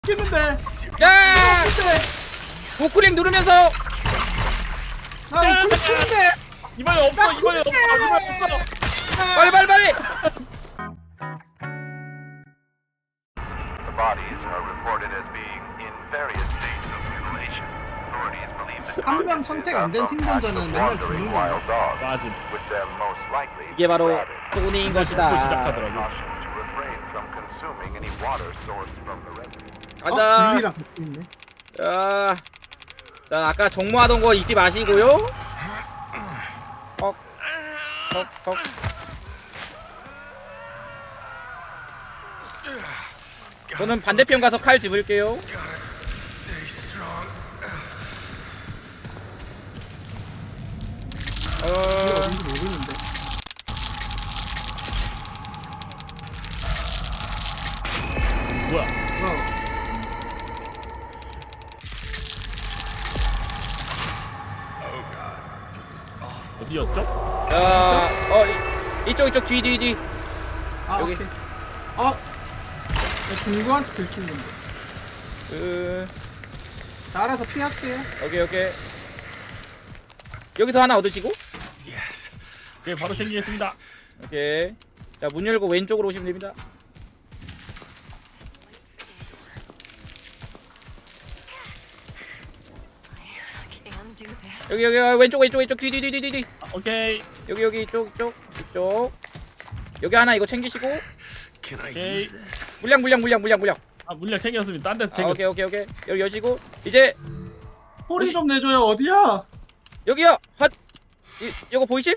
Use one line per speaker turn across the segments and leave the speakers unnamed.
죽겠는데.
야! 우클릭 누르면서
나 죽겠는데.
이번에 없어. 이번에 없어. 이번에 없어.
빨리.
The bodies are reported as being in various states of mutilation. Authorities believe that
한 명 선택 안 된 생존자는 맨날 죽는
wild
거야.
dogs,
맞음.
with them most likely
이게 바로
rabid.
소니인
또
것이다.
시작하더라고.
Caution to refrain from consuming any water sourced from the reservoir.
가자.
진리랑 같이 있네.
자, 아까 정모하던 거 잊지 마시고요. 헉. 저는 반대편 가서 칼 집을게요.
어딘지 모르는데.
뭐야? 어디였죠?
이쪽 뒤.
아
여기.
오케이. 나 중구한테 들킨 건데. 나 알아서 피할게요.
오케이. 여기서 하나 얻으시고.
네, 바로 챙기겠습니다.
오케이. 자, 문 열고 왼쪽으로 오시면 됩니다.
Can do this.
여기 왼쪽 뒤.
오케이.
여기 이쪽. 여기 하나 이거 챙기시고.
오케이.
물량.
아, 물량 챙겼습니다. 딴 데서
아,
챙겼어.
오케이. 여기 여시고 이제
소리 좀 내줘요. 어디야?
여기요. 이거 보이심?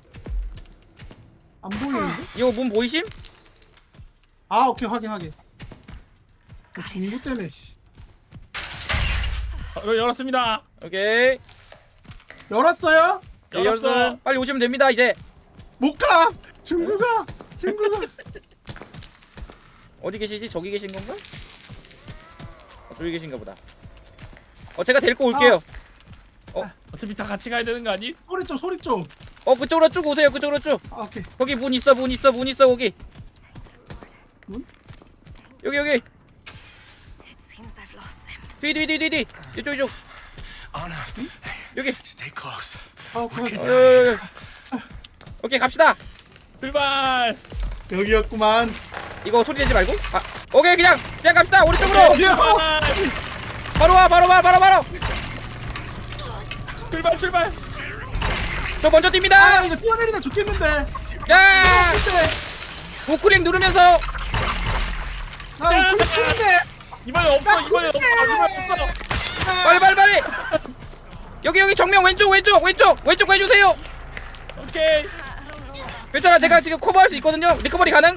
안 보이는데?
이거 문 보이심?
아 오케이 확인. 중구 때문에. 씨.
열었습니다.
오케이.
열었어요?
열었어.
빨리 오시면 됩니다. 이제
못 가. 중구가.
어디 계시지? 저기 계신 건가? 저기 계신가 보다. 제가 데리고 올게요.
어차피 다 같이 가야 되는 거 아니?
소리 좀.
그쪽으로 쭉 오세요. 그쪽으로 쭉.
아 오케이.
거기 문 있어 거기.
문?
여기.
It seems I've lost them.
뒤. 이쪽. 여기.
Stay close.
아 오케이.
여기. 오케이, 갑시다.
출발.
여기였구만.
이거 소리 내지 말고. 오케이, 그냥 갑시다. 오른쪽으로. 바로 와.
출발.
저 먼저
아
뜁니다.
이거 뛰어내리다 죽겠는데.
야! 우클릭 누르면서
나 이거 죽겠는데.
이번에 없어. 이번에 없어.
빨리. 여기 정면 왼쪽 해주세요.
오케이.
괜찮아, 제가 지금 커버할 수 있거든요. 리커버리 가능?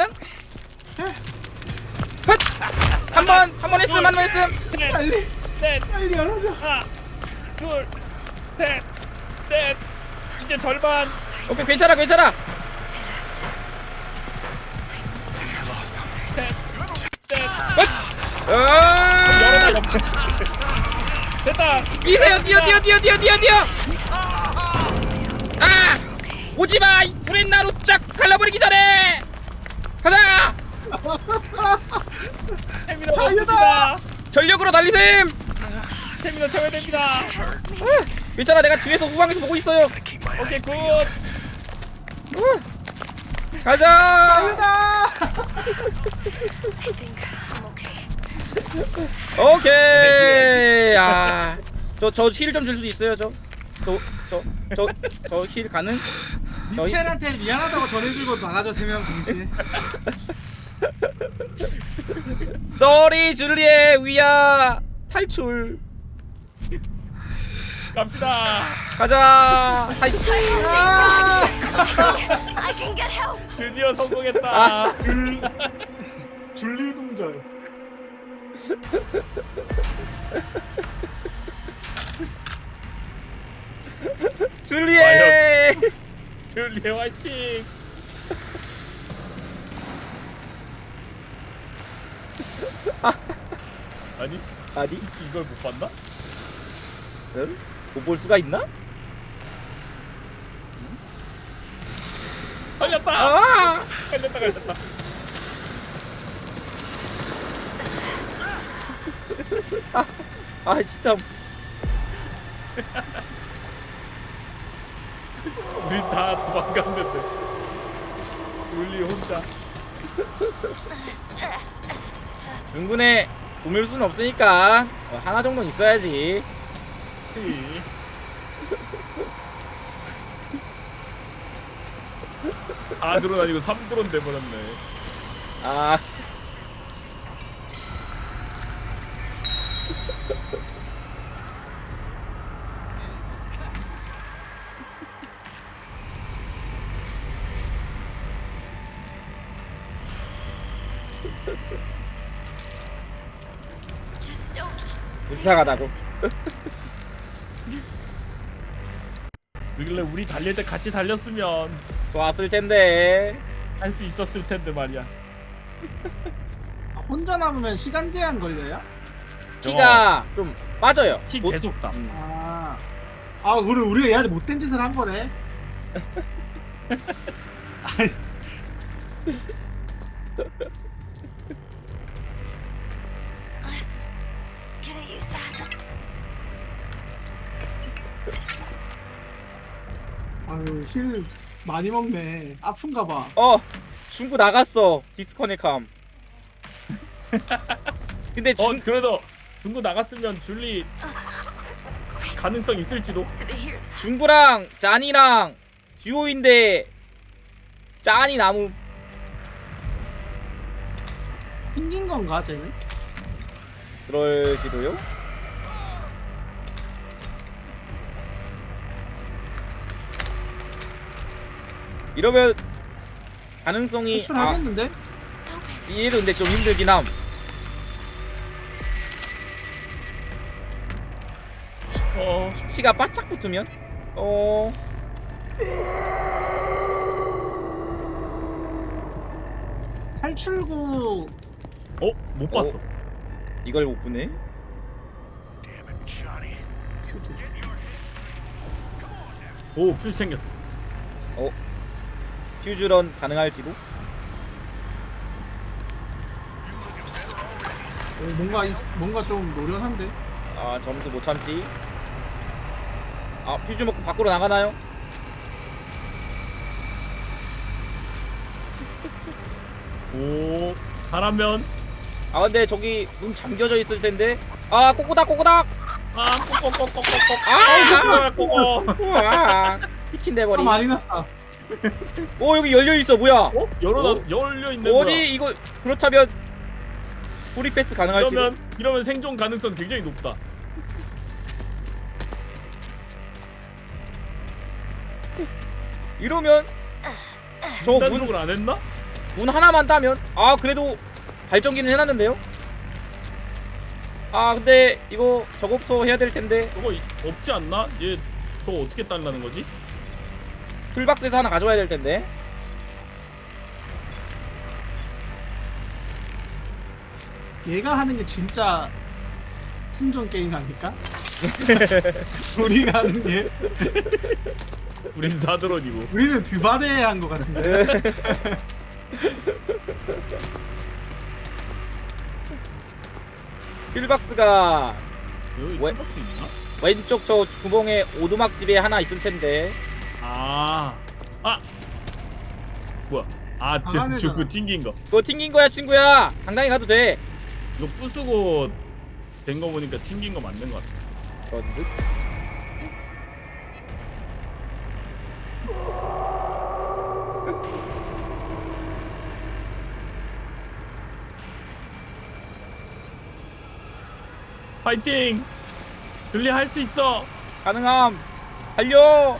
한 번 했음.
빨리
넷.
빨리 열어줘.
하나, 둘, 셋, 넷. 이제 절반.
오케이, 괜찮아.
셋, 넷. 열어놔. 됐다.
뛰세요. 오지마. 이 브랜나루 쫙 갈라버리기 전에 가자.
스태미너
자유다.
없습니다.
전력으로 달리셈.
스태미너 채워야 됩니다.
괜찮아, 내가 뒤에서 후방에서 보고 있어요.
오케이, 굿.
가자.
I think I'm okay.
오케이. 저 힐 좀 줄 수도 있어요. 저 힐 가능?
미첼한테 미안하다고 전해주고 나가죠 3명 동시에.
쏘리 줄리의 위야 탈출.
갑시다.
가자.
I can get help.
드디어 성공했다.
줄리 동절.
줄리에.
줄리의 화이팅. 아니, 혹시 이걸 못 봤나?
못 볼 수가 있나?
걸렸다. 걸렸다.
아 진짜.
우리 다 도망갔는데 룰리 혼자.
중군에 꾸밀 수는 없으니까 하나 정도는 있어야지.
아드론 아니고 3드론 돼버렸네.
아.
Just don't.
불쌍하다고.
그길래 우리 달릴 때 같이 달렸으면
좋았을 텐데.
할 수 있었을 텐데 말이야.
아, 혼자 남으면 시간 제한 걸려요?
피가 좀 빠져요.
피
못-
계속 다.
아 우리가 얘한테 못된 짓을 한 거네. 아니,
Can I use that?
아유 힐 많이 먹네. 아픈가 봐.
중구 나갔어. 디스커넥함. 근데
그래도 중구 나갔으면 줄리 가능성 있을지도.
Did they hear?
중구랑 짠이랑 듀오인데 짠이 남음.
튕긴 건가 쟤는?
그럴지도요? 이러면 가능성이
탈출하겠는데?
Don't panic.
얘도 근데 좀 힘들긴 함. 피치가 바짝 붙으면
탈출구
못 봤어.
이걸 못 보네.
오 퓨즈 생겼어.
퓨즈런 가능할지도.
뭔가 좀 노련한데?
아 점수 못 참지. 아 퓨즈 먹고 밖으로 나가나요?
오 잘하면
아 근데 저기 문 잠겨져 있을 텐데. 아 꼬꼬닥 꼬꼬닥.
꼬꼬꼬꼬꼬꼬.
아
꼬꼬.
우와 티킨
아
대버리.
많이 났다.
오 여기 열려 있어 뭐야?
열려 있는
어디
거야.
이거 그렇다면 프리 패스 가능할지도.
이러면 생존 가능성 굉장히 높다.
이러면 저
단속을 안 했나?
문 하나만 따면 아 그래도 발전기는 해놨는데요. 아 근데 이거 저거부터 해야 될 텐데.
저거 없지 않나? 얘 저거 어떻게 딸라는 거지?
풀박스에서 하나 가져와야 될 텐데.
얘가 하는 게 진짜 생존 게임 아닐까? 우리가 하는 게
우린 사드론이고.
우리는 드바데에 한 것 같은데.
풀박스가
여기
왜?
털박스 있나?
왼쪽 저 구멍에 오두막 집에 하나 있을 텐데.
아 뭐야?
나가네잖아.
저그 튕긴 거.
그거 튕긴 거야 친구야. 당당히 가도 돼.
이거 부수고 된 거 보니까 튕긴 거 맞는 거 같아.
그런 듯.
파이팅! 줄리 할 수 있어.
가능함. 달려.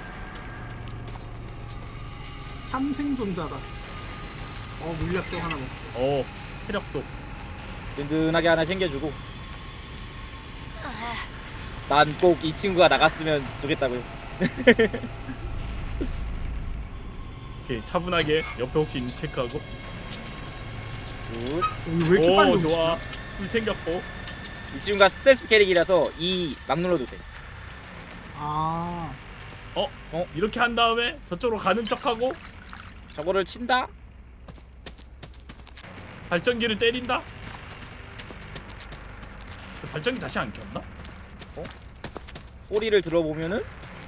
참생존자다. 물약도 하나 먹고.
체력도.
든든하게 하나 챙겨주고. 난 꼭 이 친구가 나갔으면 좋겠다고요.
오케이 차분하게 옆에 혹시 있는지 체크하고.
굿.
왜 이렇게 빨리
오
오지?
좋아. 술 챙겼고.
이 친구가 스텔스 캐릭이라서 이 막 눌러도 돼.
아,
이렇게 한 다음에 저쪽으로 가는 척하고
저거를 친다.
발전기를 때린다. 발전기 다시 안 켰나?
소리를 들어보면은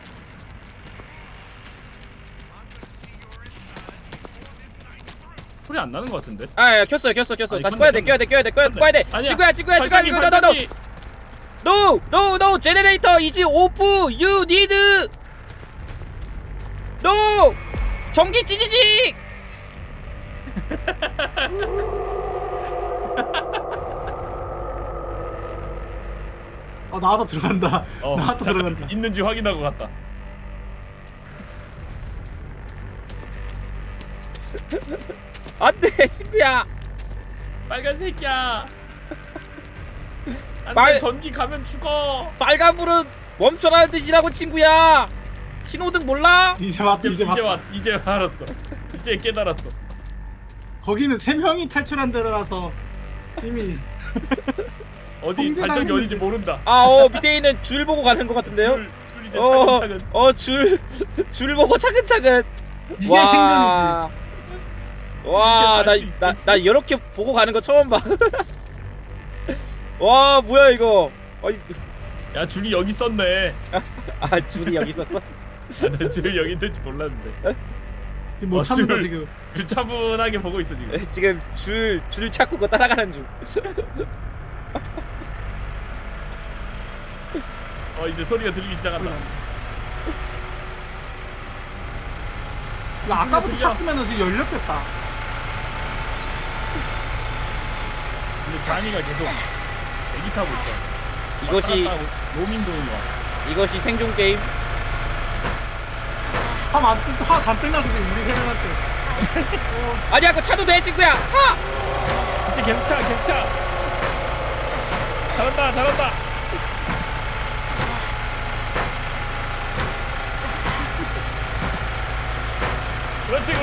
소리 안 나는 것 같은데?
야, 켰어요. 다시
아니,
꺼야 돼.
켰네.
꺼야 돼.
아니야.
친구야.
발전기.
No. Generator is off. You need. No. 전기 찌지직.
나도 들어간다. 나도
잠깐
들어간다.
있는지 확인하고 갔다.
안돼, 친구야.
빨간색이야. 안돼,
말-
전기 가면 죽어.
빨간불은 멈춰라는 뜻이라고, 친구야. 신호등 몰라?
이제 왔다.
이제 알았어. 이제 깨달았어.
거기는 3명이 탈출한 데라서 이미
어디
통제당했는데.
발전기 어딘지 모른다.
밑에 있는 줄 보고 가는 것 같은데요?
줄 이제 차근차근.
줄 보고 차근차근.
이게 생존이지.
와,
이게
나 이렇게 보고 가는 거 처음 봐. 와, 뭐야 이거?
야, 줄이 여기 있었네.
줄이 여기 있었어?
나 줄 여기 있는지 몰랐는데.
지금 못 참는다
줄.
지금.
줄 차분하게 보고 있어 지금.
지금 줄 찾고 그거 따라가는 중.
이제 소리가 들리기 시작한다.
이거 아까부터
들려.
찼으면 지금 연료됐다.
근데 잔이가 계속 애기 타고 있어.
이것이
왔다 갔다 하고 로밍 도는 거야.
이것이 생존 게임.
화 잔뜩 나서 지금 우리 3명한테.
아니야, 그 차도 돼, 친구야. 차.
이제 계속 차. 잘한다. 그렇지.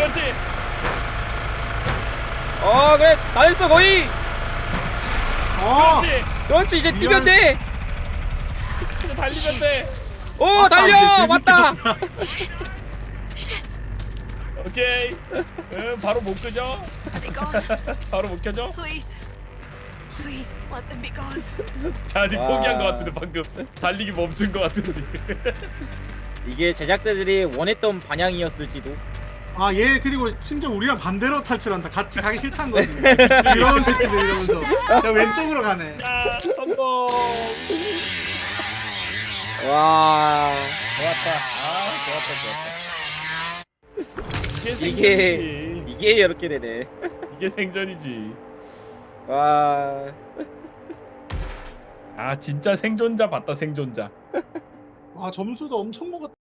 그래, 다 됐어 거의. 그렇지, 이제 뛰면 돼.
이제 달리면 돼.
달려,
이제
맞다.
오케이. 바로 못 끄죠?
Are they gone?
바로 못 켜죠?
Please. Please, let them be gone.
잔이
와.
포기한 것 같은데 방금 달리기 멈춘 것 같은데.
이게 제작자들이 원했던 방향이었을지도.
얘 그리고 심지어 우리랑 반대로 탈출한다. 같이 가기 싫다는 거지. 이런 새끼들 이러면서. 야, 왼쪽으로 가네.
야, 성공.
와,
좋았다. 이게
이게
생존이지.
이게 이렇게 되네.
이게 생존이지.
와,
진짜 생존자 봤다 생존자.
점수도 엄청 먹었다.